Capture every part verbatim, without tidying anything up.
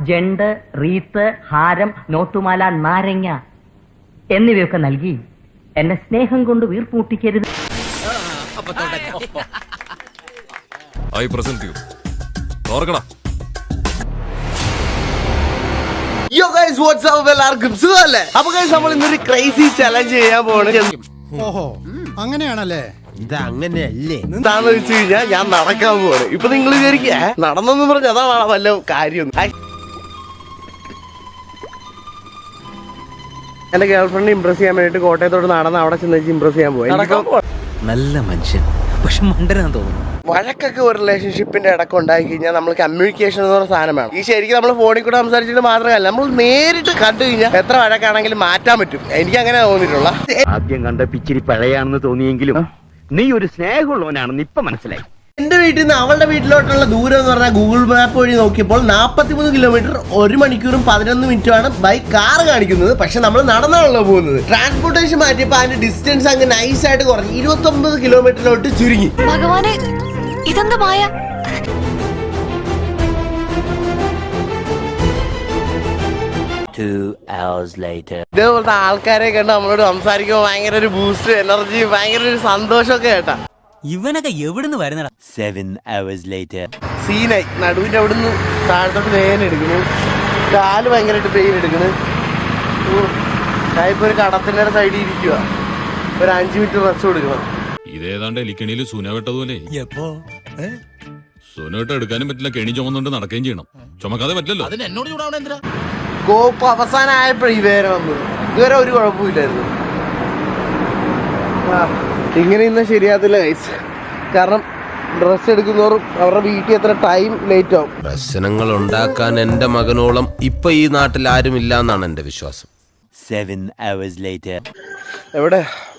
ജണ്ട്, wreath, ഹാരം, നോട്ടുമാല, നാരങ്ങ എന്നിവയൊക്കെ നൽകി എന്നെ സ്നേഹം കൊണ്ട് വീർപ്പൂട്ടിക്കരുത്. I present you. ഓർക്കടാ. Yo guys, what's up? എല്ലാവർക്കും സുഖമല്ലേ? അപ്പൊ guys നമ്മൾ ഇന്നൊരു ക്രേസി ചലഞ്ച് ചെയ്യാൻ പോവാണ്. ഓഹോ, അങ്ങനെയാണല്ലേ? ഇത് അങ്ങനെയല്ലേ? എന്താന്ന് വെച്ച് കഴിഞ്ഞാൽ ഞാൻ നടക്കാൻ പോവാണ്. ഇപ്പൊ നിങ്ങൾ വിചാരിക്കുക നടന്നെന്ന് പറഞ്ഞ അതാണ് വല്ല കാര്യം. എന്റെ ഗേൾഫ്രണ്ട് ഇംപ്രസ് ചെയ്യാൻ വേണ്ടിട്ട് കോട്ടയത്തോട് നടന്ന് അവിടെ ചെന്ന് ഇംപ്രസ് ചെയ്യാൻ പോയി. നല്ല മനുഷ്യൻ, പക്ഷെ മണ്ടനാന്ന് തോന്നുന്നു. വഴക്കൊക്കെ ഒരു റിലേഷൻഷിപ്പിന്റെ ഇടയ്ക്ക് ഉണ്ടായി കഴിഞ്ഞാൽ നമ്മൾ കമ്മ്യൂണിക്കേഷൻ എന്ന് പറഞ്ഞ സാധനം വേണം. ഈ ശരിക്കും നമ്മൾ ഫോണിൽ കൂടെ സംസാരിച്ചിട്ട് മാത്രമല്ല, നമ്മൾ നേരിട്ട് കണ്ടു കഴിഞ്ഞാൽ എത്ര വഴക്കാണെങ്കിലും മാറ്റാൻ പറ്റും. എനിക്ക് അങ്ങനെ തോന്നിയിട്ടുള്ള. ആദ്യം കണ്ട പിച്ചിരി പഴയാണെന്ന് തോന്നിയെങ്കിലും നീ ഒരു സ്നേഹമുള്ളവനാണെന്ന് ഇപ്പൊ മനസ്സിലായി. എന്റെ വീട്ടിൽ നിന്ന് അവളുടെ വീട്ടിലോട്ടുള്ള ദൂരം എന്ന് പറഞ്ഞാൽ ഗൂഗിൾ മാപ്പ് വഴി നോക്കിയപ്പോൾ നാൽപ്പത്തിമൂന്ന് കിലോമീറ്റർ ഒരു മണിക്കൂറും പതിനൊന്ന് മിനിറ്റുമാണ് ബൈ കാർ കാണിക്കുന്നത്. പക്ഷെ നമ്മൾ നടന്നാണല്ലോ പോകുന്നത്. ട്രാൻസ്പോർട്ടേഷൻ മാറ്റിയപ്പോൾ അതിന്റെ ഡിസ്റ്റൻസ് അങ്ങ് നൈസ് ആയിട്ട് കുറഞ്ഞു ഇരുപത്തി ഒമ്പത് കിലോമീറ്ററിലോട്ട് ചുരുങ്ങി. ഭഗവാനെ, ഇതെന്താ മായ? ഇതേപോലത്തെ ആൾക്കാരെ കണ്ട് നമ്മളോട് സംസാരിക്കുമ്പോൾ ഭയങ്കര ഒരു ബൂസ്റ്റ് എനർജി, ഭയങ്കര ഒരു സന്തോഷമൊക്കെ കേട്ടാ. ഇവനൊക്കെ എവിടുന്ന് വരുന്നടാ? Seven hours later. സീനായി നടുവിന്റെ അവിടുന്ന് താഴത്തോട്ട് വേദന എടുക്കുന്നു, കാല് ഭയങ്കരമായിട്ട് പെയിൻ എടുക്കുന്നു. ഞാനിപ്പോ ഒരു കടത്തിന്റെ സൈഡിൽ ഇരിക്കുക, ഒരു അഞ്ചു മിനിറ്റ് റെസ്റ്റ് കൊടുക്കണം. ഇതേതാണ്ട് എലിക്കണിയിൽ സുന വെട്ടതുപോലെ. എപ്പോ സുനോട്ട് എടുക്കാനും പറ്റില്ല, കെണി ചുമന്നുകൊണ്ട് നടക്കുകയും ചെയ്യണം. ചുമക്കാതെ പറ്റില്ലല്ലോ. കോപ്പ് അവസാനമായപ്പോഴേ ഈ വേദന വന്നത്. ഇതുവരെ ഒരു കുഴപ്പമില്ലായിരുന്നു. ഇങ്ങനെ ഇന്ന് ശരിയാകത്തില്ല ഗൈസ്, കാരണം ഡ്രസ് എടുക്കുന്നവരും അവരുടെ വീട്ടിൽ എത്ര ടൈം ലേറ്റ് ആവും. പ്രശ്നങ്ങൾ ഉണ്ടാക്കാൻ എന്റെ മകനോളം ഇപ്പൊ ഈ നാട്ടിൽ ആരും ഇല്ല എന്നാണ് എന്റെ വിശ്വാസം. Seven hours later. എവിടെ?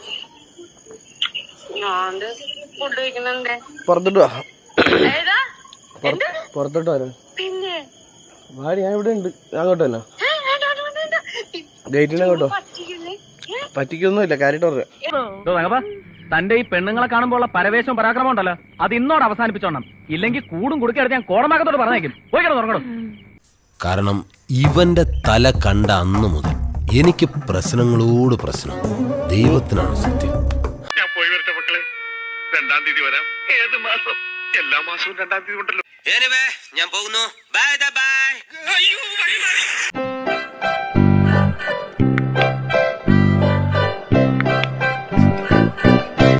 പുറത്തോട്ട് വാ, പുറത്തോട്ട് വരാ. വാടി, ഞാൻ ഇവിടെ ഉണ്ട്. അങ്ങോട്ട് തന്നെ ഗേറ്റിന് അങ്ങോട്ടോ. പറ്റിക്കൊന്നുമില്ല, കാര്യമായിട്ട് പറയാം. തന്റെ ഈ പെണ്ണുങ്ങളെ കാണുമ്പോൾ പരവേശവും പരാക്രമം ഉണ്ടല്ലോ, അത് ഇന്നോട് അവസാനിപ്പിച്ചോണം. ഇല്ലെങ്കിൽ കൂടും കുടുക്കെടുത്ത് ഞാൻ കോടമാകത്തോട് പറഞ്ഞേക്കും. പോയി കിടന്നു തുറങ്ങണം. കാരണം ഇവന്റെ തല കണ്ട അന്ന് മുതൽ എനിക്ക് പ്രശ്നങ്ങളോട് പ്രശ്നം. ദൈവത്തിനാണ് സത്യം. ഞാൻ പോയി വരട്ടെ മക്കളെ, രണ്ടാം തീയതി വരാം. ഏത് മാസം? എല്ലാ മാസവും രണ്ടാം തീയതി ഉണ്ടല്ലോ. ഞാൻ പോകുന്നു. Bye by.